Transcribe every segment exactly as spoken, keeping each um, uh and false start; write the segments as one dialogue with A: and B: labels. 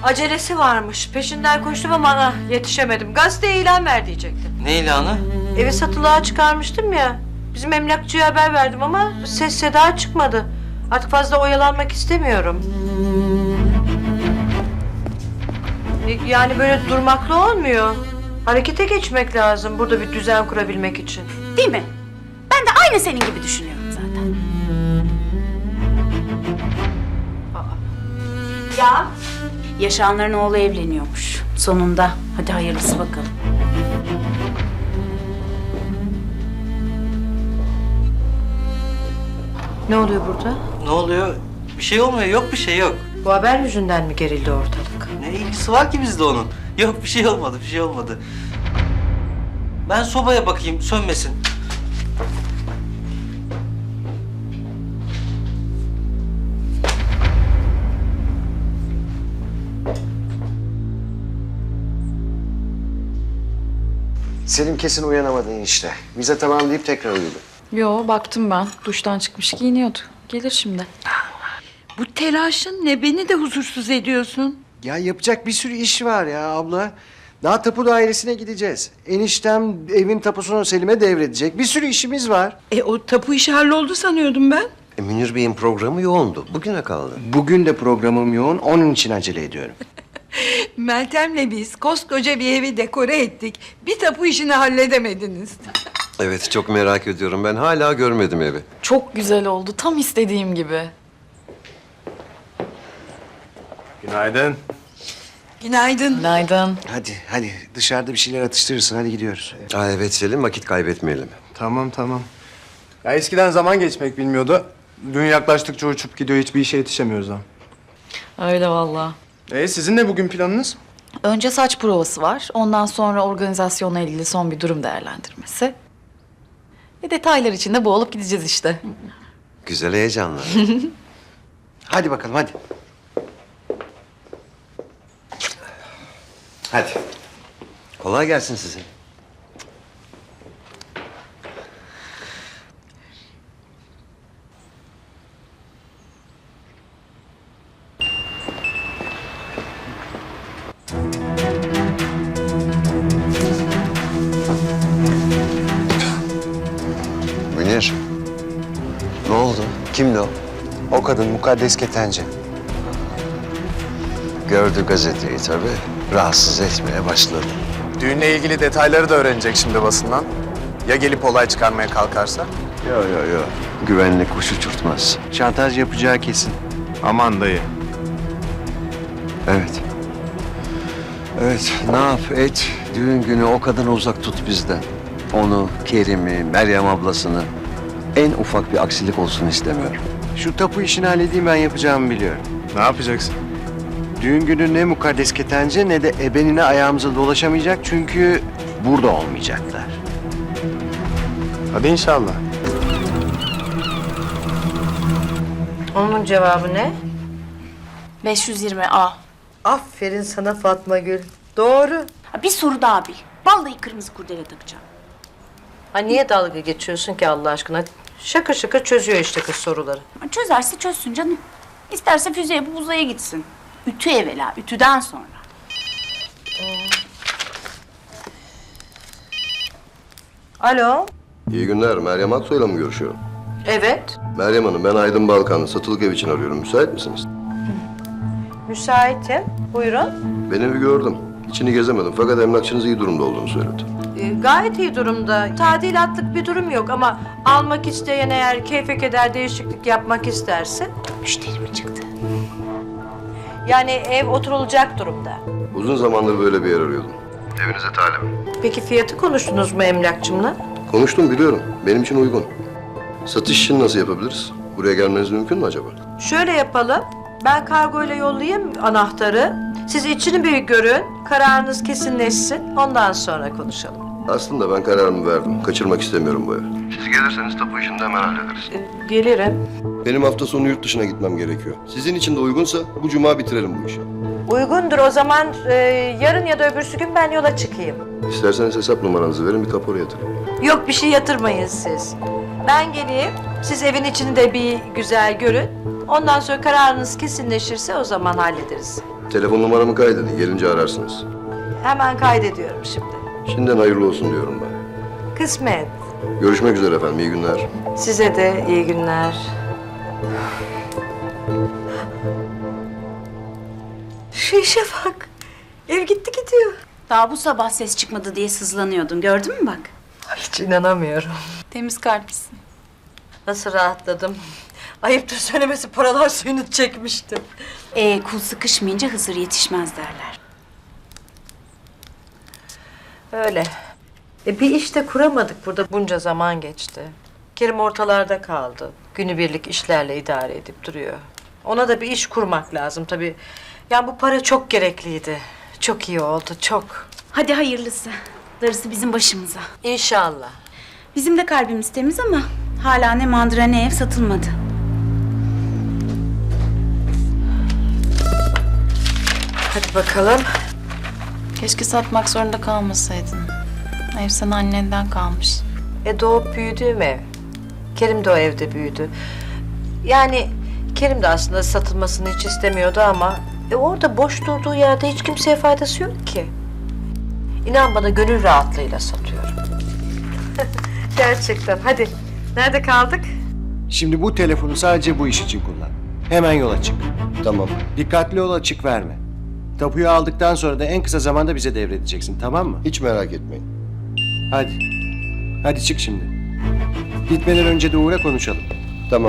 A: Acelesi varmış. Peşinden koştum ama ana, yetişemedim. Gazeteye ilan ver diyecektim.
B: Ne ilanı?
A: Evi satılığa çıkarmıştım ya. Bizim emlakçıya haber verdim ama ses seda çıkmadı. Artık fazla oyalanmak istemiyorum. E, Yani böyle durmakla olmuyor. Harekete geçmek lazım burada bir düzen kurabilmek için.
C: Değil mi? Ben de aynı senin gibi düşünüyorum zaten. Ya? Yaşanların oğlu evleniyormuş. Sonunda. Hadi hayırlısı bakalım.
A: Ne oluyor burada?
B: Ne oluyor? Bir şey olmuyor. Yok bir şey yok.
A: Bu haber yüzünden mi gerildi ortalık?
B: Ne ilgisi var ki bizde onun? Yok bir şey olmadı. Bir şey olmadı. Ben sobaya bakayım. Sönmesin.
D: Selim kesin uyanamadı enişte. Vize tamam deyip tekrar uyudu.
E: Yo, baktım ben. Duştan çıkmış giyiniyordu. Gelir şimdi.
F: Bu telaşın ne? Beni de huzursuz ediyorsun.
D: Ya yapacak bir sürü iş var ya abla. Daha tapu dairesine gideceğiz. Eniştem evin tapusunu Selim'e devredecek. Bir sürü işimiz var.
F: E o tapu işi halloldu sanıyordum ben.
G: E, Münir Bey'in programı yoğundu. Bugüne kaldı.
D: Bugün de programım yoğun. Onun için acele ediyorum.
F: Meltem'le biz koskoca bir evi dekore ettik. Bir tapu işini halledemediniz.
G: Evet, çok merak ediyorum. Ben hala görmedim evi.
E: Çok güzel oldu. Tam istediğim gibi.
H: Günaydın.
F: Günaydın.
E: Günaydın.
D: Hadi hadi dışarıda bir şeyler atıştırırsın. Hadi gidiyoruz.
G: Aa, evet Selim, vakit kaybetmeyelim.
H: Tamam tamam. Ya eskiden zaman geçmek bilmiyordu. Dün yaklaştıkça uçup gidiyor. Hiçbir işe yetişemiyoruz ha.
E: Öyle vallahi.
H: E sizin ne bugün planınız?
E: Önce saç provası var. Ondan sonra organizasyonla ilgili son bir durum değerlendirmesi. Ve detaylar içinde boğulup gideceğiz işte.
G: Güzel heyecanlar.
D: Hadi bakalım hadi.
G: Hadi. Kolay gelsin size. Münir. Ne oldu? Kimdi o?
D: O kadın Mukaddes Ketenci.
G: Gördü gazeteyi tabii. Rahatsız etmeye başladı.
H: Düğünle ilgili detayları da öğrenecek şimdi basından. Ya gelip olay çıkarmaya kalkarsa?
G: Yo yo yo. Güvenlik kuş uçurtmaz.
D: Şantaj yapacağı kesin.
H: Aman dayı.
G: Evet. Evet, ne yap et, düğün günü o kadını uzak tut bizden. Onu, Kerim'i, Meryem ablasını, en ufak bir aksilik olsun istemiyorum.
D: Şu tapu işini halledeyim ben yapacağımı biliyorum.
H: Ne yapacaksın?
D: Düğün günü ne Mukaddes Ketenci ne de ebenine ayağımıza dolaşamayacak çünkü burada olmayacaklar.
H: Hadi inşallah.
A: Onun cevabı ne?
C: beş yüz yirmi A.
A: Aferin sana Fatma Gül. Doğru.
C: Ha, bir soru daha bil. Vallahi kırmızı kurdele takacağım.
A: Ha niye dalga geçiyorsun ki Allah aşkına? Şakır şakır çözüyor işte kız soruları.
C: Ha, çözerse çözsün canım. İsterse füze yapıp uzaya gitsin. Ütü evvela, ütüden sonra.
A: Alo.
I: İyi günler. Meryem Aksoy'la mı görüşüyorum?
A: Evet.
I: Meryem Hanım, ben Aydın Balkan. Satılık ev için arıyorum. Müsait misiniz?
A: Müsaitim. Buyurun.
I: Ben evi gördüm. İçini gezemedim fakat emlakçınız iyi durumda olduğunu söyledi.
A: Ee, gayet iyi durumda. Tadilatlık bir durum yok ama almak isteyen eğer keyfe keder değişiklik yapmak isterse...
C: Müşteri mi çıktı?
A: Yani ev oturulacak durumda.
I: Uzun zamandır böyle bir yer arıyordum. Evinize talibim.
A: Peki fiyatı konuştunuz mu emlakçımla?
I: Konuştum, biliyorum. Benim için uygun. Satış işini nasıl yapabiliriz? Buraya gelmeniz mümkün mü acaba?
A: Şöyle yapalım. Ben kargoyla yollayayım anahtarı. Siz içini bir görün. Kararınız kesinleşsin. Ondan sonra konuşalım.
I: Aslında ben kararımı verdim. Kaçırmak istemiyorum bu evi. Siz gelirseniz tapu işini de hemen hallederiz.
A: Ee, gelirim.
I: Benim hafta sonu yurt dışına gitmem gerekiyor. Sizin için de uygunsa bu cuma bitirelim bu işi.
A: Uygundur o zaman e, yarın ya da öbürsü gün ben yola çıkayım.
I: İsterseniz hesap numaranızı verin, bir kapora yatırın.
A: Yok bir şey yatırmayın siz. Ben geleyim. Siz evin içini de bir güzel görün. Ondan sonra kararınız kesinleşirse o zaman hallederiz.
I: Telefon numaramı kaydedin. Gelince ararsınız.
A: Hemen kaydediyorum şimdi.
I: Şimdiden hayırlı olsun diyorum ben.
A: Kısmet.
I: Görüşmek üzere efendim. İyi günler.
A: Size de iyi günler. Şu işe bak. Ev gitti gidiyor.
C: Daha bu sabah ses çıkmadı diye sızlanıyordun. Gördün mü bak?
A: Hiç inanamıyorum.
C: Temiz kalplisin.
A: Nasıl rahatladım. Ayıptır söylemesi paralar suyunu çekmişti.
C: Ee, kul sıkışmayınca Hızır yetişmez derler.
A: Öyle. E bir iş de kuramadık burada. Bunca zaman geçti. Kerim ortalarda kaldı. Günübirlik işlerle idare edip duruyor. Ona da bir iş kurmak lazım tabii. Yani bu para çok gerekliydi. Çok iyi oldu, çok.
C: Hadi hayırlısı. Darısı bizim başımıza.
A: İnşallah.
C: Bizim de kalbimiz temiz ama hala ne mandıra ne ev satılmadı.
A: Hadi bakalım.
E: Keşke satmak zorunda kalmasaydın. Ev sana annenden kalmış.
A: E doğup büyüdüğüm ev. Kerim de o evde büyüdü. Yani Kerim de aslında satılmasını hiç istemiyordu ama... E orada boş durduğu yerde hiç kimseye faydası yok ki. İnan bana gönül rahatlığıyla satıyorum. Gerçekten. Hadi. Nerede kaldık?
D: Şimdi bu telefonu sadece bu iş için kullan. Hemen yola çık.
I: Tamam.
D: Dikkatli ol, açık verme. Tapuyu aldıktan sonra da en kısa zamanda bize devredeceksin, tamam mı?
I: Hiç merak etmeyin.
D: Hadi. Hadi çık şimdi. Gitmeden önce de uğra konuşalım.
I: Tamam.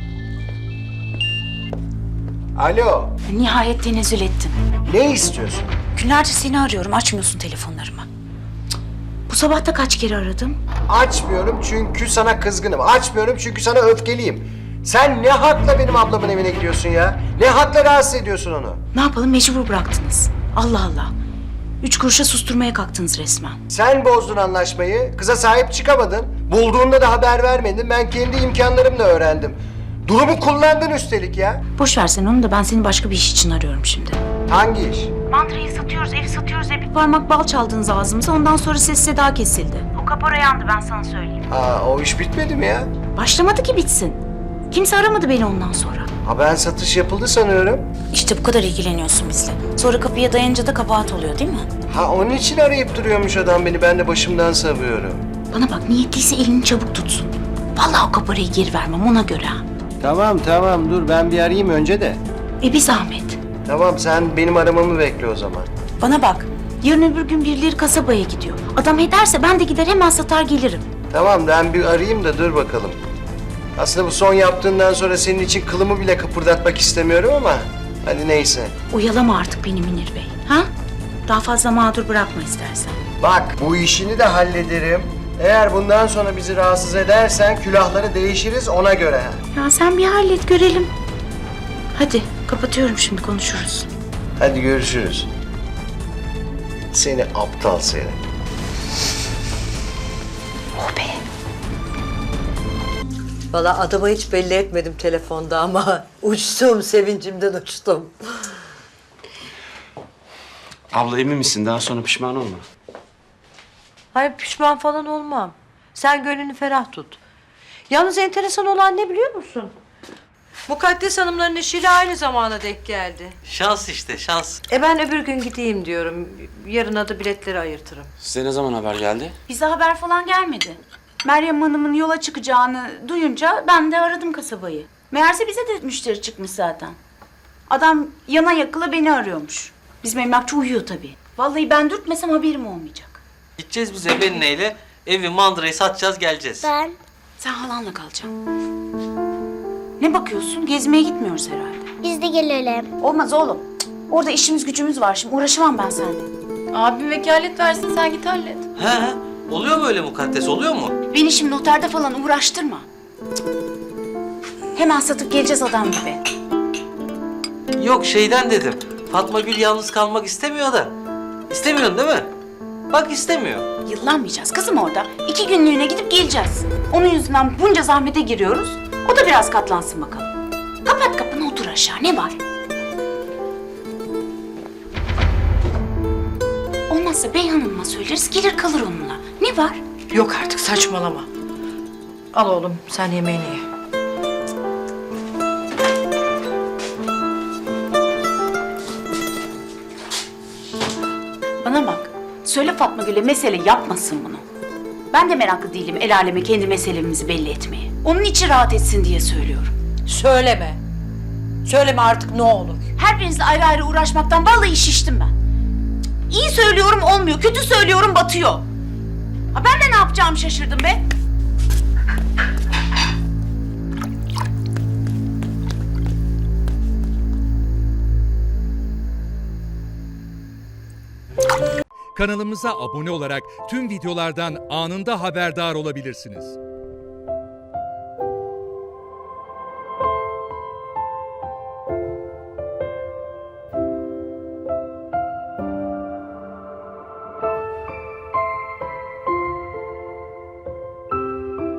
D: Alo.
C: Nihayet tenezzül ettin.
D: Ne istiyorsun?
C: Günlerce seni arıyorum, açmıyorsun telefonlarımı. Cık. Bu sabah da kaç kere aradım.
D: Açmıyorum çünkü sana kızgınım. Açmıyorum çünkü sana öfkeliyim. Sen ne hakla benim ablamın evine gidiyorsun ya? Ne hakla rahatsız ediyorsun onu?
C: Ne yapalım, mecbur bıraktınız. Allah Allah. Üç kuruşa susturmaya kalktınız resmen.
D: Sen bozdun anlaşmayı, kıza sahip çıkamadın. Bulduğunda da haber vermedin. Ben kendi imkanlarımla öğrendim. Durumu kullandın üstelik ya.
C: Boş ver sen onu da, ben seni başka bir iş için arıyorum şimdi.
D: Hangi iş?
C: Mandrayı satıyoruz, evi satıyoruz diye bir parmak bal çaldınız ağzımıza. Ondan sonra ses seda kesildi. O kapora yandı, ben sana söyleyeyim.
D: Aa, o iş bitmedi mi ya?
C: Başlamadı ki bitsin. Kimse aramadı beni ondan sonra.
D: Ha, ben satış yapıldı sanıyorum.
C: İşte bu kadar ilgileniyorsun bizle. Sonra kapıya dayanınca da kabahat oluyor değil mi?
D: Ha, onun için arayıp duruyormuş adam beni. Ben de başımdan savuyorum.
C: Bana bak, niyetliyse elini çabuk tutsun. Vallahi o kaparayı geri vermem, ona göre ha.
D: Tamam tamam dur ben bir arayayım önce de.
C: E bir zahmet.
D: Tamam sen benim aramamı bekle o zaman.
C: Bana bak, yarın öbür gün birileri kasabaya gidiyor. Adam ederse ben de gider hemen satar gelirim.
D: Tamam ben bir arayayım da dur bakalım. Aslında bu son yaptığından sonra senin için kılımı bile kıpırdatmak istemiyorum ama hadi neyse.
C: Oyalama artık beni Münir Bey, ha? Daha fazla mağdur bırakma istersen.
D: Bak bu işini de hallederim. Eğer bundan sonra bizi rahatsız edersen külahları değişiriz ona göre.
C: Ya sen bir hallet görelim. Hadi kapatıyorum, şimdi konuşuruz.
D: Hadi görüşürüz. Seni aptal seni.
C: Oh be.
A: Vallahi adama hiç belli etmedim telefonda ama uçtum, sevincimden uçtum.
J: Abla emin misin? Daha sonra pişman olma.
A: Hayır pişman falan olmam. Sen gönlünü ferah tut. Yalnız enteresan olan ne biliyor musun? Mukaddes Hanımların işiyle aynı zamana denk geldi.
B: Şans işte, şans.
A: E ben öbür gün gideyim diyorum. Yarına da biletleri ayırtırım.
J: Size ne zaman haber geldi?
C: Bize haber falan gelmedi. Meryem Hanım'ın yola çıkacağını duyunca ben de aradım kasabayı. Meğerse bize de müşteri çıkmış zaten. Adam yana yakıla beni arıyormuş. Bizim emlakçı uyuyor tabii. Vallahi ben dürtmesem haberim olmayacak.
B: Gideceğiz biz Eben'le ile evi mandrayı satacağız geleceğiz.
K: Ben
C: Sen halanla kalacaksın. Ne bakıyorsun? Gezmeye gitmiyoruz herhalde.
K: biz de gelelim.
C: Olmaz oğlum. Cık, orada işimiz gücümüz var şimdi. Uğraşamam ben seninle.
E: Abim vekalet versin, sen git hallet.
B: He he. Oluyor mu öyle mukaddes, oluyor mu?
C: Beni şimdi noterde falan uğraştırma. Cık. Hemen satıp geleceğiz adam gibi.
B: Yok şeyden dedim. Fatma Gül yalnız kalmak istemiyor da. İstemiyorsun değil mi? Bak istemiyor.
C: Yıllanmayacağız kızım orada. İki günlüğüne gidip geleceğiz. Onun yüzünden bunca zahmete giriyoruz. O da biraz katlansın bakalım. Kapat kapını, otur aşağı. Ne var? Olmazsa Bey Hanım'a söyleriz, gelir kalır onunla. Ne var?
A: Yok artık saçmalama. Al oğlum sen yemeğini ye.
C: Söyle Fatma Gül'e mesele yapmasın bunu. Ben de meraklı değilim el aleme kendi meselemizi belli etmeye. Onun içi rahat etsin diye söylüyorum.
A: Söyleme. Söyleme artık ne olur.
C: Her birinizle ayrı ayrı uğraşmaktan vallahi şiştim ben. İyi söylüyorum olmuyor, kötü söylüyorum batıyor. Ha ben de ne yapacağımı şaşırdım be.
K: Kanalımıza abone olarak tüm videolardan anında haberdar olabilirsiniz.